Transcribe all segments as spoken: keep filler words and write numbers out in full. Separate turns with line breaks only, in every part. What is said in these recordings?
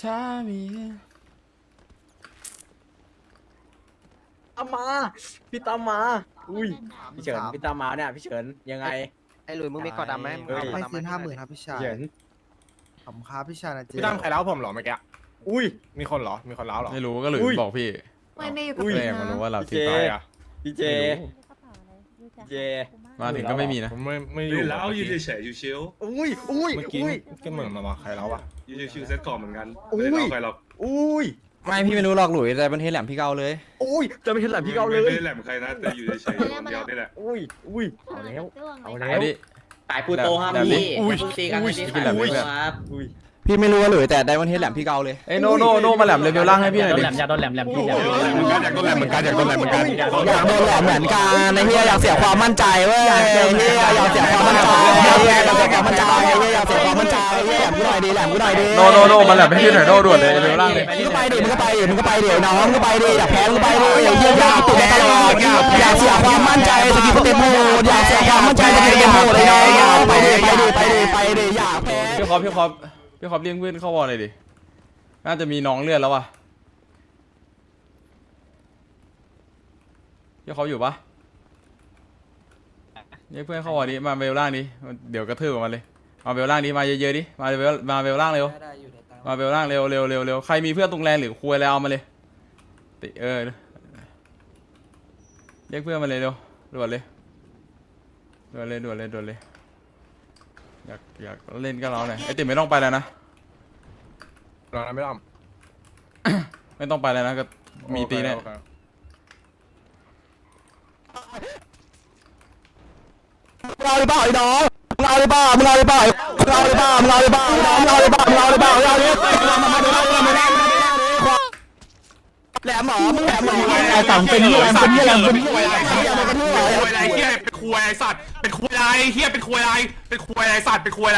ถ้ามี
ตามมาพี่ตามมาอุ้ยพี่เฉินพี่ตามมาเนี่ยพี่เฉินยังไง
ไอ้หลุยมึงมีกอดดำไหม
เฮ้ย
ไม่ซื้อห้าหมื่นครับพี่ชาย
พี่เฉิน
ขอบคุณครับพี่ชายนะเจ๊
พี่ตั้มใครเล้าผมเหรอเมื่อกี้
อุ้ย
มีคนเหรอ มีคนเล้าเหรอ
ไม่รู้ก็หลุย
อุ้ย
บอกพี่
ไม่ไม่อยู่กับ
อุ้ย
พี่
แม่งมารู้ว่าเรา
พี่
ติด
เจ
ต่อ
ใครอ่ะ
พี่เจ เจ
มาถึงก็ไม่มีนะ
ผมไม่ไม่อ
ยื
ยู่
นแล้ว
เมื่อ
ยื
กี้
นเฉยๆชิว
อุ้ยอุ้ย
เมื่อกี้
อุ้ย
ก็เหมือนมาว่าใครเล้าอ่ะ
ๆยืนชิวๆเซ็ตก่อนเหมือนกัน
อุ้ย
ไม่ได้เอาใครหรอก
อุ้ย
ไม่พี่ไม่รู้หรอกหลุยแต่บันเทศแหลมพี่เกาเลย
อุ้ยจะไม่ใช่แหลมพี่เกาเล
ไม่
ย
ได้แหลมใครนะแต่อยู่เฉยๆอยู่คนเดียวนี่แหละ
อุ้ยอุ้ยเอาแล้วเอาแล้
เอา
ว
ดิ
สายปูโตครับ
แบบ
พี่
อุ้ย
เพิ่งตีกัน
อุ้ย
ที่
กินแหลม
อุ้ย
เพื่อน
ครับ
อุ้ย
พี่ไม่รู้ว่าหลุยแต่ไดมอนเทสแหลมพี่เกาเลยเอ้ยโนโนโนมาแหลมเลเวลล่างให้พี่หน่อยดิ
อย่าโดนแหลมแหลมพี่แหลม
อยากโดนแหลมเหมือนกันอยากโดนแหลมเหมือนกันอยากโดนแหลมเหมือนกัน
อยากโดนแหลมเหมือนกันไอ้เฮียอยากเสียความมั่นใจเว้ยไอ้เฮียอยากเสียความมั่นใจอยากเสียความมั่นใจไอ้เฮียอยากเสียความมั่นใจไอ้เฮียแหลมกูหน่อยดิแหลมกูหน่อยดิโนโนโนมาแหลมให้พี่หน่อยโนด่วนเลยเลเวลล่างเลยมึงก็ไปดิมึงก็ไปดิมึงก็ไปดิน้องมึงก็ไปดิอยากแพ้มึงก็ไปดิไอ้เฮียอยากตัวตลอดอยากเสียความมั่นใจสกิลเต็มโหมดอยากเสียความมั่นใจสกิลเต็มโหมดเลยน้องไปดิไปดิไปดิไปดิอยากแพ้พี่คอปพี่คอปพี่คอปเลี้ยงเพื่อนเข้าวอลเลยดิน่าจะมีน้องเลือดแล้วว่ะพี่เขาอยู่ปะเรียกเพื่อนเข้าวอลดิมาเวลล่างดิเดี๋ยวกระทืบมันเลยมาเวลล่างดิมาเยอะๆดิมาเวลมาเวลล่างเร็วมาเวลล่างเร็วเร็วเร็วเร็วใครมีเพื่อนตรงแลนหรือคุยแล้วเอามาเลยติเออเรียกเพื่อนมาเลยเร็วด่วนเลยด่วนเลยด่วนเลยด่วนเลยอยากอยากเล่นก็เราหน่อยไอติมไม่ต้องไปแล้วนะ
รอนะไม่ต้อง
ไม่ต้องไปแล้วนะก็มีตีแน่
โอเค
มึงเอาหรือเปล่าไอ้น้องมึงเอาหรือเปล่ามึงเอาหรือเปล่ามึงเอาหรือเปล่ามึงเอาหรือเปล่ามึงเอาหรือเปล่ามึงเอาหรือเปล่ามึงเอาหรือเปล่าแหลมหมอมึงแหลมหมอไอ้สองเป็นยี่แหลมเป็นยี่แหลมเป็นยี่แหลมเป็นยี่แหลมเป็นยี่แหลม
ควยอะไรเฮียเป็นควยอะไรสัตว์เป็นควยอะไรเฮียเป็นควยอะไรเป็นควยอะไรสัตว์เป็นควยอะไร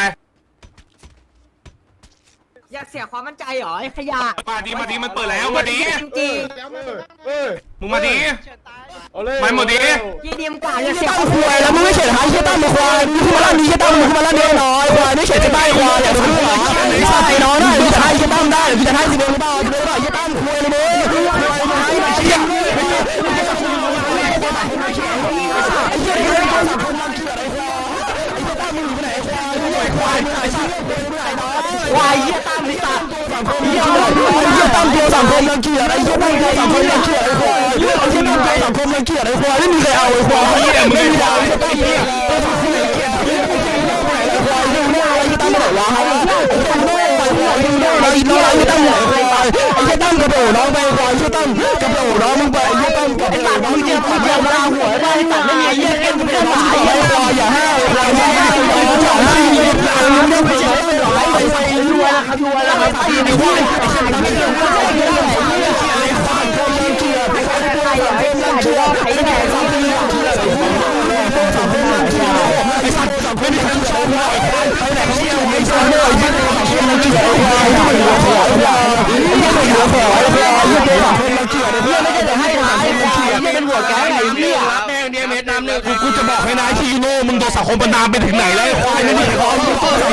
อยากเสียความมั่นใจเหรอไอ้ขยะ
มาดีมาดีมันเปิดแล้วมาดี
จริง
มึงมาดี
เอาเลย
มาหมดดิ
ๆยี่ดีมกว่าอยากเสีย
ตั้งควายแล้วมึงไม่เฉยหายเชี่ยตั้งมึงควายมึงมาลั่นนี้เชี่ยตั้งมึงมาลั่นเดียวน้อยควายไม่เฉยจะได้ควายอย่าดูหรอไอ้น้องได้มึงจะให้เชี่ยตั้งได้มึงจะให้สิเดียวหรือเปล่าจะได้หรอเชี่ยตั้งควายเลยมึงควายมึงให้เชี่ยไอ้เชี่ยนี่เป็นสังคมรังเกียจไอ้ควายไอ้เชี่ยตั้งมึงอยู่ไหนควายมึงไอ้ควายมึงไอ้สัตว์ควายเชี่ยตั้งนี่สัตว์สังคมเชี่ยเชี่ยตั้งตัวสังคมรังเกียจไอ้เชี่ยตั้งตัวสังคมรังเกียจไอ้ควายไอ้เชี่ยตั้งตัวสังคมรังเกียจไอ้ควายไม่มีใครเอาไอ้ควายไม่มีดาวไอ้ตั้งเนี่ยไอ้ควายไอ้ดูหน้าไอ้ตั้งไม่ได้วะไอ้ตั้งไม่ได้ไอ้ควายดูหน้าไอ้ดูหน้าไอ้ตั้งไหนไอ้ควายไอ้เชี่ยตั้งกระโดดน้องไปควายเชี่ยตั้งกระโดดน้องมึงไปไอ้เชี่ยตั้งกระโดดน้องมึงเจ็บมึงเจ็บมาหัวได้ตัดไม่มีไอ้เชี่ยเอ็นมึงเจ็บหลายไอ้ควายอย่าห้าวไอ้ควายอย่าห้าวไอ้ควายอย่าห้าวไอ้ควายมึงไม่ไปเจ็บไม่หลายไอ้ควายรวยแล้วครับรวยแล้วครับไอ้ควายไอ้เชี่ยตั้งไม่เจ็บไอ้ควายไอ้ควายคนรังเกียจไอ้ควายคนรังเกียจไอ้แก่สังคมรังเกียจไอ้สังคมรังเกียจไอ้สังคมรังเกียจไอ้ไหนเชี่ยไอ้สังคมรังเกียจไอ้เชี่ยรังเกียจไอ้ควายไอ้หัวขอไอ้ควายไอ้หัวขอไอ้ควายไอ้เชี่ยสังคมรังเกียจไอ้เพื่อนไม่ได้จะให้ร้ายไอ้ควายไอ้เป็นหัวแก๊งไอ้เหี้ย
แม่งเดียเม็ดน้ำเนี่ยกูจะบอกให้นายที่โน่มึงโดนสังคมประนามไปถึงไหนแล้วไอ้ควายไม่มีคอม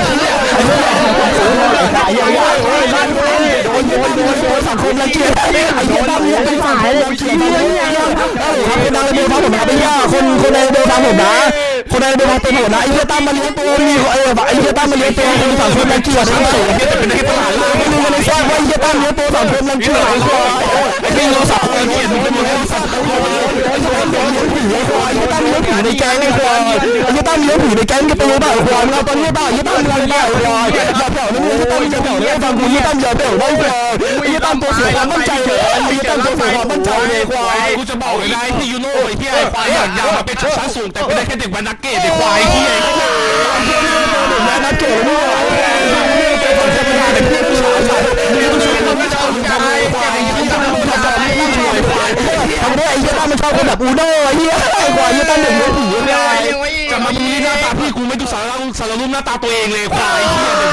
ไอ้เหี้ยโอ้ยนั่นโดนโดนโดนโดนสังคมรังเกียจไอ้เหี้ยไอ้เหี้ยตั้งเนี่ยเป็นฝ่ายรังเกียจไอ้เหี้ยทำเป็นนางเบลฟังผมนะเป็นย่าคนคนในเบลฟังผมนะคนในเบลฟังเป็นหัวนะไอ้เหี้ยตั้งมาเลี้ยงตัวมีไอ้ไอ้เหี้ยตั้งมาเลี้ยงตัวคนสังคมรังเกียจไอ้เหี้ยจะเป็นให้ตลาดล่างมึงไม่ได้ทราบว่าไอ้เหี้ยตั้งเลี้ยงตัวสังคมรังเกียจไอ้ควายไอ้เหี้ยเราสังคมรังเกียจมึงเป็นหัวสังคมรังเกียจไอ้เหี้ยตั้งเลี้ยงผีไอ้ควายไอ้เหี้ยตั้งเลี้ยงผีในแก๊งไอ้ควายไอ้เหี้ยตั้งเลี้ยงผีในแก๊งก็เป็นบ้าไอ้ควายมึงเอาตอนนี้บ้าไอ้เหี้ยตั้งเลี้ยงบ้าไอ้ควายอย่าเผ่านะมึงไอ้เหี้ยตั้งอย่าเผ่านะฟังกูไอ้เหี้ยตั้งอย่าเผ่าได้ควายไอ้เหี้ยตั้งตัวเสียความมั่นใจเลยไอ้เหี้ยตั้งตัวเสียความมั่นใจเลยควาย
กูจะบอกเลยนะที่ยูโน่ไอ้เหี้ยไอ้ควายอยากยาวมาเป็นชนชั้นสูงแต่เป็นได้แค่เด็กวันนักเก็ตไอ้ควายเหี้ย
นักเก็ตนี่ไอ้คนธรรมดาเป็นผู้ชายนี่ต้องช่วยคนไม่ชอบกันไอ้ควายที่ทำให้ทำให้ไม่ช่วยควายทำได้ไอ้เหี้ยตั้งมันชอบคนแบบอูโน่ไอ้เหี้ยไอ้ควายเหี้ยตั้งหนึ่งเลี้ยงผีเลย
จะมาดูหน้าตาพี่กูไม่ดูสารสารรูปหน้าตาตัวเองเลยควายเหี้ย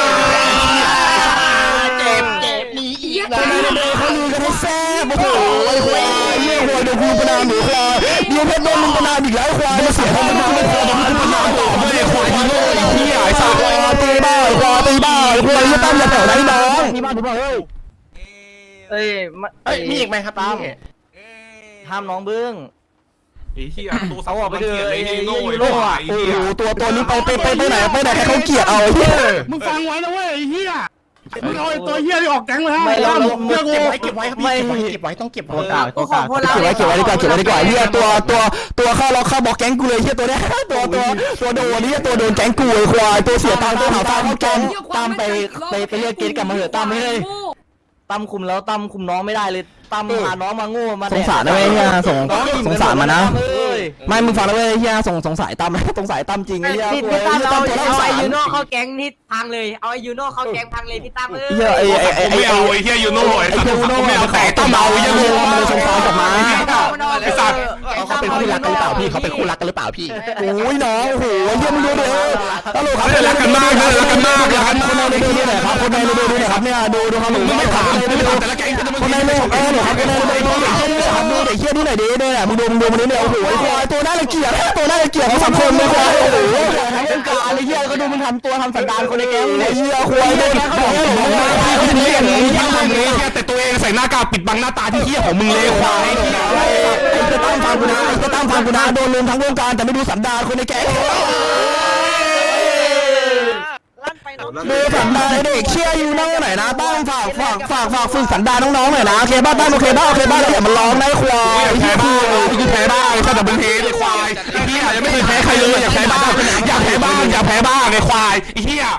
เจ็บเจ็บมีอีก
คนในเบลเขาลือกันให้แซ่บโอ้โหไอ้ควายเหี้ยควายเดี๋ยวกูประนามหนูควายเดี๋ยวเพชรโดนมึงประนามอีกแล้วควายมาเสียเขาไม่ได้ควายเดี๋ยวกูประนามต่อไม่ได้คว
ยูโน่ไอ้เหี้ยไอ้สัตว์
ตีบ้าไอ้ควายตีบ้าไอ้ควายยี่ตั้มอย่าแถวไหนน้องตีบ้าตีบ้าเฮ้ย
เอ้ย
เอ้ยมีอีกไหมครับ
ตาม
พี่
ห้ามน้องบึ้ง
ไอ้เหี้ยตัว
เอาออกไป
เกลียดเลย
เลย
ยูโน่
ยู
ไอ้
โน่
ควา
อะ
ย
โอ้
เหี้ย
โหตัวตัวนี้ไปไปไปไปไหนไปไหนให้เขาเกลียดเอาไอ้เหี้ย
มึงฟังไว้นะเว้ยไอ้เหี้ยมึงเอาไอ้ตัว
เหี้ยนี่ออกแก๊งเลยฮะไม่เรา
เก็บไว้เก็บไว้ครับพี่เก็บไว้เก็บไว้ต้องเก็บไว้
กูขอพวกเรา
เก็บไว้เก็บไว้ดีกว่าเก็บไว้ดีกว่าเหี้ยตัวตัวตัวเข้าล็อกเข้าบอกแก๊งกูเลยเหี้ยตัวเนี้ยตัวตัวตัวโดนนี่ตัวโดนแก๊งกูไอ้ควายตัวเสียตังค์ตัวหาตังค์เข้าแก๊ง
ตั้มไปไปไปเรียกเกณฑ์กลับมาเถอะตั้มไม่ได้ตั้มคุมแล้วตั้มคุมน้องไม่ได้เลยตั้มพาน้องมาโง่มา
สงสารนะเว้ยเหี้ยสง
น้อง
สงสารมันนะ
เอ้ย
ไม่มึงฟังนะเว้ยเหี้ยสงสงสายตั้มสงสายตั้มจริงไอ้เหี้ย
พี่
ควา
พี่
ย
ตั้ม
เหี้ย
เอา
ตั้มตัวน่าสง
เอาไอ
สาร
ยูโน่เข้าแก๊งนี่พังเลยเอาไอยูโน่เข้าแก๊งพังเลยพี่ตั้มเอ้ย
เหี้ยไอ้ไอ้ไอ้
ผม
ไอ้
ไม่เอาไอ้เหี้ยยูโน่ไอ้สัตว์ผมไม่เอาแต่ต้องเอาไอ้เหี้ยยูโน่
มันเลยสงสารกลับมา
ไอ้สัตว์
เขาเป็นคู่รักกันหรือเปล่าพี่เขาเป็นคู่รักกันหรือเปล่าพี่
โอ้ยน้องโอ้โหเยี่ยมดูดิเออตลกครับ
รักกันมากเลยรักกันมาก
ครับคนในดูนี่หน่อยครับคนในดูนี่หน่อยครับเนี่ยดูดูครับ
มึงไม่ถาม
คน
ไม่
ใน
ถาม
ดู
แต่ละแก๊งจะมึง
คนในดูเออหน่อยครับคนในดูดูเด็กเชี่ยนี่ครับดูเด็กเชี่ยนี่หน่อยดิเนี่ยมึงดูมึงดูมันนี่เนี่ยโอ้โหไอ้ควายตัวน่ารังเกียจตัวน่ารังเกียจของสังคมเลยควายโอ้โหทั้งวงการไอ้เหี้ยก็ดูมึงทำตัวทำสันดานคนในแก๊งไอ้เหี้ยควายโดนเขาบอกผมมาพี่คนนี้อย่างนี้
เหี้ย
ยัง
มึ
มึ
ง
ง
เลย
เลย
เหี้ยแต่ตัวเองใส่หน้ากากปิดบังหน้าตาที่เหี้ยของมึงเลยควาย
ไอ้จะตั้งฟังกูนะไอ้จะตั้งฟังกูนะโดนลุมทั้งวงการแต่ไม่ดูสันดานคนในแก๊งดูสันดานไอ้เด็กเชี่ยอยู่น้องไหนนะตั้งฝากฝากฝากฝากฝึกสันดานน้องๆหน่อยนะโอเคบ้าตั้งโอเคบ้าโอเคบ้าแล้วอย่ามาร้องนะไอ้ควาย
อยากแพ้บ้างกูแพ้บ้างไอ้สัตว์แต่มึงเทไอ้ควายไอ้เหี้ยยังไม่เคยแพ้ใครเลยอยากแพ้บ้างอยากแพ้บ้างอยากแพ้บ้างไอ้ควายไอ้เหี้ย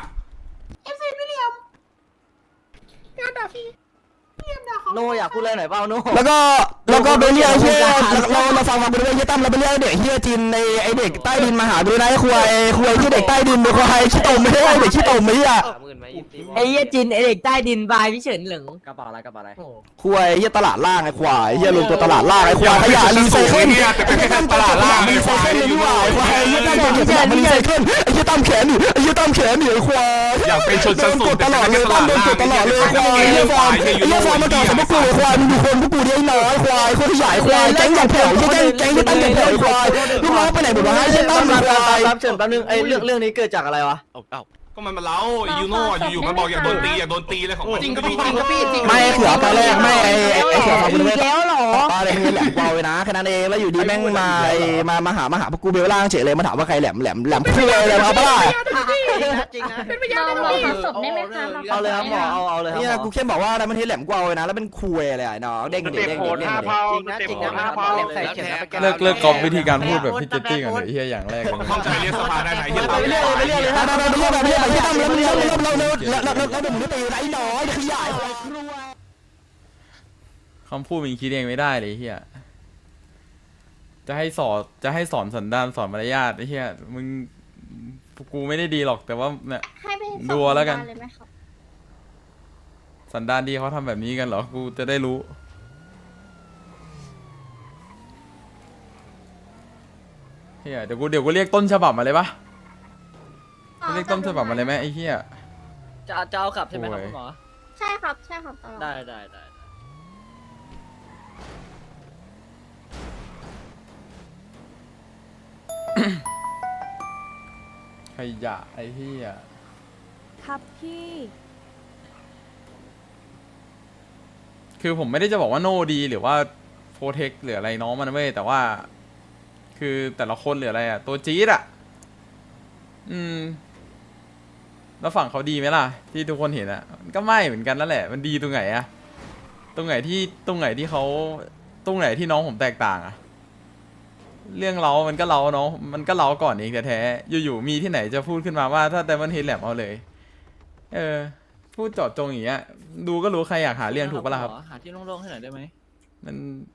โนอยากพูดอะไรหน่อยเปล่าโน
แล้วก็แล้วก็ไปเรียกเชี่ยเราเราฟังฟังไปเรื่อยเชี่ยตั้มเราไปเรียกเด็กเชี่ยจีนในไอเด็กใต้ดินมาหาดูนะไอ้ควายควายที่เด็กใต้ดินเป็นควายขี้ตมไม่ใช่เด็กขี้ตมไม่ใช่
ไอ้เหี้ยจินไอเด็กใต้ดินบายพี่เฉินเหลิง
กระเป๋าอะไรกระเป๋าอะไร
ควายเฮียตลาดล่างไอ้ควายเฮียลงตัวตลาดล่างไอ้ควายขยะรีไซเคิล
แต่เป็นแค่ตลาดล่างไอ้
รี
ค
ไซ
วาย
เคิลเลย
ยู
ดีก
โน่
ว่าไอ้ควายเฮียตั้มเก็บขยะมารีไซเคิลไอ้เฮียตั้มแขนหนิไอ้เฮียตั้มแขนหนิไอ้ควาย
อยากเป็นชน
โด
ชั้น
น
สู
ก
ง
ดตลอดเลยตั้มโดนกดตลอดเลยควายเฮียฟอร์มไอ้เฮียฟอร์มมาต่อสมบูรณ์ควายมึงดูคนพวกกูดิไอ้น้อยควายคนขยายควายแก๊งอย่างแผ่วเฮียแก๊งแก๊งที่ตั้งอย่างแผ่วควายลูกน้องไปไหนหมดวะไอ้เฮียตั้มควาย
แป๊บเฉินแป๊บนึงไอ้เรื่องเรื่องนี้เกิดจากอะไรวะ
ก็มันมาเล้ายูโน่อยู่ๆมันบอกอยากโดนตีอยากโดนตีเลยของมัน
จริงครับพี่จริงครับพี่จริง
ไม่เขือตอนแรกไม่ไอ้ไอ้เขือฟังกู
อี
เลย
กแล้วเหรอ
ตอนแรกมันแหลมกวาวเลยนะแค่นั้นเองแล้วอยู่ดีแม่งมาไอ้มามาหามาหาพวกกูเบลล่างเฉยเลยมาถามว่าใครแหลมแหลมแหลมคุยเลยเอาปะล่ะ
จริงนะ
เราเราขอศพได้ไหมคะ
เอาเลยครับหมอเอาเอาเลยครับ
เนี่ยกูแค่บอกว่าอะไรมันเทแหลมกวาวเลยนะแล้วเป็นคุยเลยไอ้น้องเด้งเด้งเด้งเด้ง
จริงนะจริงนะใส่เฉิน
เลิกเลิกกอบวิธีการพูดแบบพี่เจตตี้กันเลยเฮียอย่างแรกเลย
เข้าใจเรียกสภาได้ไหนเฮีย
ไปเรื่อยไปเรื่อยเลย
ไปไปไปเรื่อยไปเรื่อยไปเรื่อยตั้มแล้วเรื่อยเรื่อยเราเราเราเราเราเราไม่ตีไรน้อยขยาย
คำพูดมึงคิดเองไม่ได้เลยเฮียจะให้สอนจะให้สอนสันดานสอนมารยาทไอ้เฮียมึงกูไม่ได้ดีหรอกแต่ว่าเนี่ย
ให้ไป
ดูแล้วกัน
เลยไหมครับ
สันดานดีเขาทำแบบนี้กันเหรอกูจะได้รู้เฮียเดี๋ยวกูเดี๋ยวกูเรียกต้นฉบับมาเลยปะเรียกต้นฉบับมาเลยไหมไอ้เฮีย
จะจะเอากลับใช่ไหมครับคุณหมอ
ใช่ครับใช่ครับตลอด
ได้ได้ได้
ขยะไอ้เฮีย
ครับพี่
คือผมไม่ได้จะบอกว่าโนดีหรือว่าโปรเทคหรืออะไรน้องมันเว้ยแต่ว่า คือแต่ละคนหรืออะไรอะตัวจี๊ดอะอืม แล้วฝั่งเขาดีไหมล่ะ ที่ทุกคนเห็นอะมันก็ไม่เหมือนกันนั่นแหละมันดีตรงไหนอะตรงไหนที่ตรงไหนที่เขาตรงไหนที่น้องผมแตกต่างอะเรื่องเรามันก็เราเนาะมันก็เราก่อนเองแท้ๆอยู่ๆมีที่ไหนจะพูดขึ้นมาว่าถ้าแต่มันเฮดแลมเอาเลย เออ พูดเจาะจงอย่างเงี้ยดูก็รู้ใครอยากหาเรื่องถูกปะล่ะครับ
หาที่โล่งๆให้หน่อยได้ไหม
มัน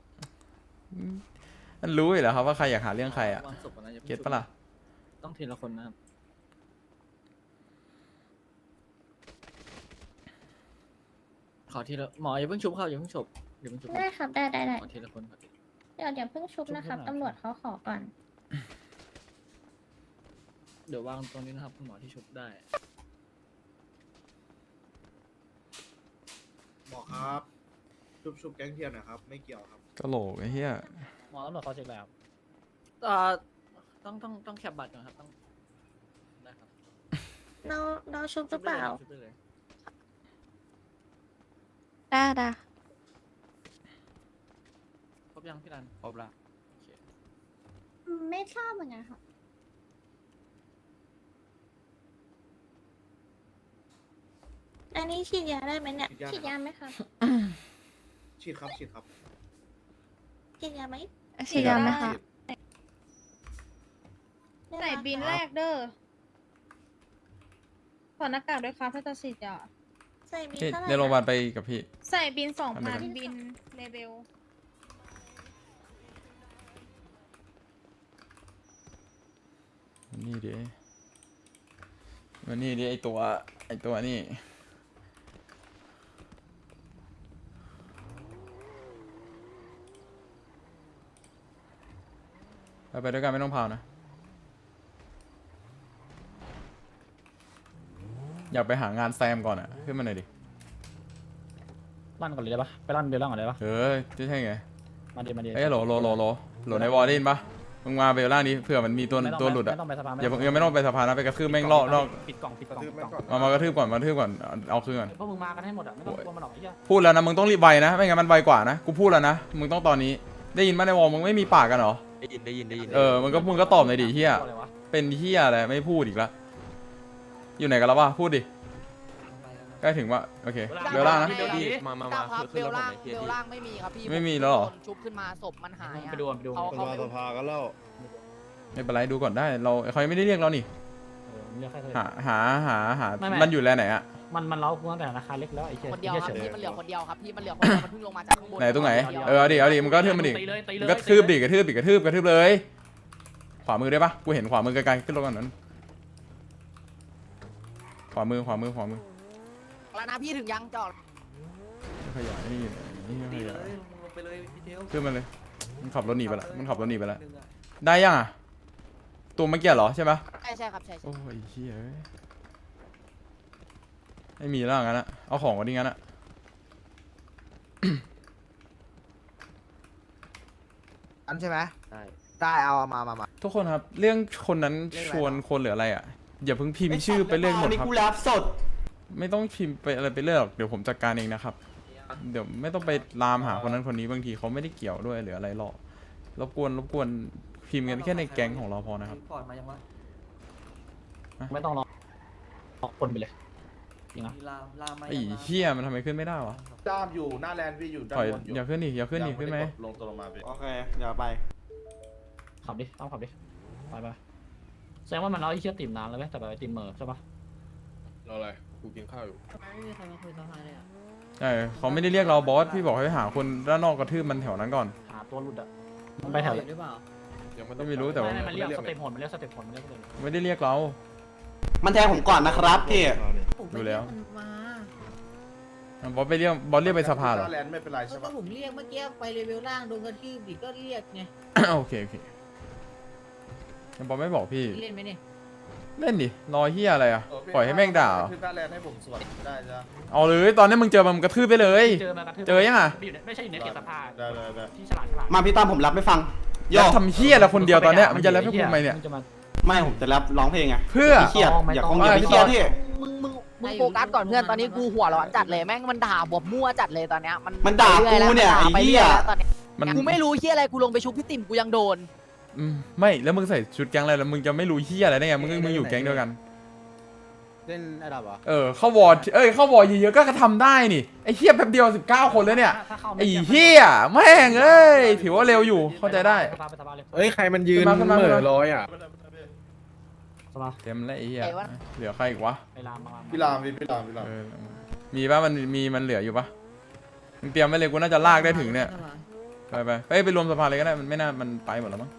มันรู้อยู่แล้วครับว่าใครอยากหาเรื่องใครอ่ะ เก็ตปะล่ะ
ต้องทีละคนนะครับขอทีละหมออย่าเพิ่งชุบครับอย่าเพิ่งชุบอย่าเพิ่งชุบ
ได้ครับได้ได้ได้
ขอทีละคนครับ
เดี๋ยวเดี๋ยวเพิ่งชุบนะครับตำรวจเขาขอก่อน
เดี๋ยววางตรงนี้นะครับคุณหมอที่ชุบได้
หมอครับชุบชุบแก๊งเทียนนะครับไม่เกี่ยวครับ
กะโหลกไอ้เหี้ย
หมอตำรวจเขาเช็คแล้วอ่าต้องต้องต้องแคปบัตรก่อนครับต้อง
เราเราชุบหรือเปล่าได้ได้
ครบยังพี่รันครบละ
ไม่ทราบเหมือนกันค่ะอันนี้ฉีดยาได้ไหมเนี่ยฉีดยาไหมคะ
ฉีดครับฉีดครับ
ฉีดยาไหม
ฉีดยาไหมคะ
ใส่บินแรกเด้อขอหน้ากากด้วยครับถ้าจะฉีดยาใส่บิน
พี่
เท่าไหร่
ในโรงพยาบาลไปกับพี่
ใส่บินสอง
ทำไม
พัน
กัน
บินเลเวล
มันนี่ดิมันนี่ดิไอตัวไอตัวนี่ไปไปด้วยกันไม่ต้องพาวนะ อยากไปหางานแซมก่อนอะขึ้นมาหน่อยดิ
ลั่นก่อนเลยได้ปะไปลั่นเบลล่างก่อนได้ปะ
เออจะใช่ไง
มาเดี๋ยวมาเดี๋ยว
เอ้ยโหลโหลโหลโหลโหลในวอร์ดได้ยินปะมึงมาเบลล่างนี้เผื่อมันมีตัวตัวหลุดอะ
ไม่ต้องไปสภา
อย่ายังไม่ต้องไปสะพานนะไปกระทืบแม่งล่อล่อ
ปิดกล่องปิดกล่องปิดกล่อง
มามากระทืบก่อนมากระทืบก่อนเอาเอาคืนก่อน
พวกมึงมากันให้หมดอ่ะไม่ต้องกลัวมันหรอกไอ้เหี้ย
พูดแล้วนะมึงต้องรีบไวนะไม่งั้นมันไวกว่านะกูพูดแล้วนะมึงต้องตอนนี้ได้ยินปะในวอลมึงไม่มีปากกันเหรอ
ได้ยินได้ยินได้ยิน
เออมึงก็มึงก็ตอบหน่อยดิเฮีย
อะไรวะ
เป็นเฮียอะไรไม่พูดอีกละอยู่ไหนกันแล้ววะพูดดิใกล้ถึงวะโอเคเบลล่างนะ
มามา
ครับครับเบลล่างเบลล่างไม่มีครับพี่
ไม่มีแล้วเหรอ
ชุบขึ้นมาศพมันหายอะ
ไปดูไปดู
เขาเขา
สภากันแล้ว
ไม่เป็นไรดูก่อนได้เราเขายังไม่ได้เรียกเรานี่
เออเรียกใครเถ
หา
อะ
หาหาหา
ไม่ไม่
มันอยู่แล้วไหนอะ
มันมันเล้ากูตั้งแต่ราคาเล็กแล้วไอ้เหี้ย
คนเดียว
ไอ้
ครับ
เหี้ยเฉย
พี่มันเหลือคนเดียวครับพี่มันเหลือคนเดียวมันเพิ่งลงมาจากข้างบน
ไหนตรงไหน
ดียว
เออเอาดิเอาดิมึงก็กระทืบมันดิ
ตีเลยตีเล
มึ
ย
งก็ทืบดิกระทืบดิกระทืบกระทืบเลย ขวามือได้ปะกูเห็นขวามือไกลๆขึ้นรถก่อนนั้นขวามือขวามือขวามือ
แล้วนะพี่ถึงยังจอด
ขยายนี่นี่ขยาย
ลงไปเลยพี่เทล
ขึ้นมาเลยมันขับรถหนีไปละมันขับรถหนีไปละได้ยังอ่ะตัวเมื่อกี้เหรอใช่ปะ
ใช่ใช่ครับใช่ใช่
โอ้ยเฮ้ยไม่มีแล้วงั้นอะเอาของกันดิงั้นอะ
อันใช่ไหม
ได้
ได้เอามามามา
ทุกคนครับเรื่องคนนั้นชวนคนหรืออะไรอ่ะอย่าเพิ่งพิมพ์ชื่อไปเรื่อยหมดครับ
กูรับสด
ไม่ต้องพิมพ์ไปอะไรไปเรื่อยหรอกเดี๋ยวผมจัดการเองนะครับเดี๋ยวไม่ต้องไปลามหาคนนั้นคนนี้บางทีเขาไม่ได้เกี่ยวด้วยหรืออะไรหรอกรบกวนรบกวนพิมพ์กันแค่ในแก๊งของเราพอนะครับ
ก่อนมายังวะไม่ต้องรอออกคนไปเลยจริงนะ
ไอ้เหี้ยมันทำไมขึ้นไม่ได้วะ
ด้ามอยู่หน้าแลนด์พี่อยู่ด้าน
ถอย
บนอยู่
อย่าขึ้นดิอย่าขึ้นดิขึ้นไหม
ลงตัวลงมาพี่โอเคอย่าไป
ขับดิต้องขับดิไปไปแสดงว่ามันเอาไอ้เชี่ยติ่มนานแล้วไหมแต่แบบไอ้ติ่มเหม่อใช่ปะ
รออะไรกูกินข้าวอยู่
ไม่มีใครมาคุยสภาเลยอ่ะ
ใช่เขาไม่ได้เรียกเราบอสพี่บอกให้หาคนด้านนอกกระทืบมันแถวนั้นก่อน
หาตัวหลุดอ่ะมันไปแถว
หรือเปล่า
ยังไม่ต้อง
ไม่รู้แต่ว่า
ไม่มันเรียกสเต็ปหนมันเรียกสเต็ปหนมันเรียกสเต็ป
ไม่ได้เรียกเรา
มันแทงผมก่อนนะครับพี่
ดูแล้ว บอสไปเรียกบอสเรียกไปสภาเหรอ
หน้าแลนด์ไม่เป็นไรใช่
ก็
ปะ
ผมเรียกเมื่อกี้ไปเลเวลล่างโดนกระทืบดิก็เรียกไง
โอเคโอเคบอสไม่บอกพี่
เล่นไหมเนี่ย
เล่นดิรอเฮียอะไรอ่ะปล่อยให้แม่งด่าเหรอ
ขึ้นหน้าแลนด์ให้ผมสวดได้จ้ะ
เอาเลยตอนนี้มึงเจอมันมึงกระทืบไปเลย
เจอมากระทืบ
เจอยังอะ
ไม่ใช่อยู่ในเขตสภา
ได้ได้ได้
ที่ฉลาดฉลาด
มาพี่ตั้มผมรับไม่ฟัง
แล้วทำเฮียอะไรคนเดียวตอนเนี้ยมันจะแล้วให้กูทำไมเนี่ย
จะมา
ไม่ผมจะรับร้องเพลงไง
เพื่อ
เครียด
ไม่
อย่า
ต้
ค
อง
งอย่าไปเครียดพี่
มึงมึงมึงโฟกัสก่อนเพื่อนตอนนี้กูหัวร้อนจัดเลยแม่งมันด่าบวบมั่วจัดเลยตอนเนี้ยมัน
มันด่ากูเนี่ย
มัด่าไป
ไอ้เหี้
รื่
ย
แล้วตอนเนี้ย
มัน
กูไม่รู้เฮียอะไรกูลงไปชุบพี่ติ่มกูยังโดน
อืมไม่แล้วมึงใส่ชุดแก๊งอะไรแล้วมึงจะไม่รู้เฮียอะไรได้ไงมึงมึงอยู่แก๊งเดียวกัน
เล่นระดับเหรอ
เออเข้าวอร์ดเอ้ยเข้าวอร์ดเยอะๆก็ทำได้นี่ไอ้เฮียแป๊บเดียวสิบเก้าคนแล้วเนี่ย
ถ้าเข้าม่
ไอ้เฮียแม่งเอ้ยถือว่าเร็วอยู่เข้าใจได้
สภาไปสภาเลย
เอ้ยใครมันยืน
ขึ้นมาขึ้นมา
เหม่อลอยอ่ะ
สภา
เต็มแล้วไอ้เฮีย
ไหนวะ
เหลือใครอีกวะ
ไปรามมา
พี่รามพี่พี่รามพี่ราม
เออมีปะมันมีมันเหลืออยู่ปะมึงเตรียมไว้เลยกูน่าจะลากได้ถึงเนี่ยไปไปไปไปรวมสภาเลยก็ได้มันไม่น่ามันไปหมดแล้วมั้ง